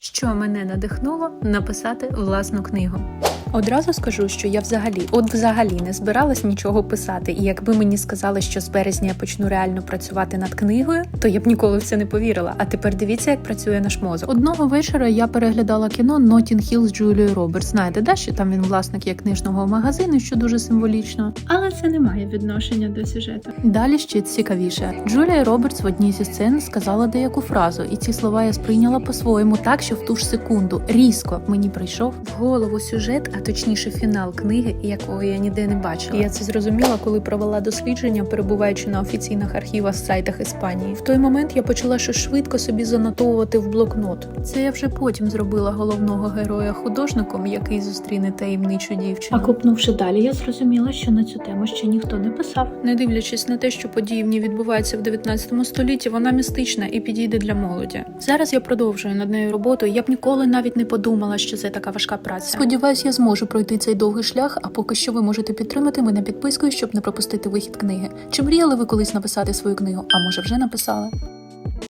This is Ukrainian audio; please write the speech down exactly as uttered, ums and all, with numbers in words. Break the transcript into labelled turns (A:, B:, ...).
A: Що мене надихнуло написати власну книгу? Одразу скажу, що я взагалі, от взагалі не збиралась нічого писати, і якби мені сказали, що з березня я почну реально працювати над книгою, то я б ніколи в це не повірила. А тепер дивіться, як працює наш мозок. Одного вечора я переглядала кіно «Нотінг Хіл» з Джулією Робертс. Знаєте, да, що там він власник є книжного магазину, що дуже символічно. Але це не має відношення до сюжету. Далі ще цікавіше. Джулія Робертс в одній зі сцен сказала деяку фразу, і ці слова я сприйняла по-своєму так, що в ту ж секунду різко мені прийшов в голову сюжет, а точніше фінал книги, якого я ніде не бачила. І я це зрозуміла, коли провела дослідження, перебуваючи на офіційних архівах сайтах Іспанії. В той момент я почала щось швидко собі занотовувати в блокнот. Це я вже потім зробила головного героя художником, який зустріне таємничу дівчину.
B: А копнувши далі, я зрозуміла, що на цю тему ще ніхто не писав.
A: Не дивлячись на те, що події в ній відбуваються в дев'ятнадцятому столітті, вона містична і підійде для молоді. Зараз я продовжую над нею роботу, і я б ніколи навіть не подумала, що це така важка праця. Сподіваюсь, я зможу пройти цей довгий шлях, а поки що ви можете підтримати мене підпискою, щоб не пропустити вихід книги. Чи мріяли ви колись написати свою книгу? А може вже написали?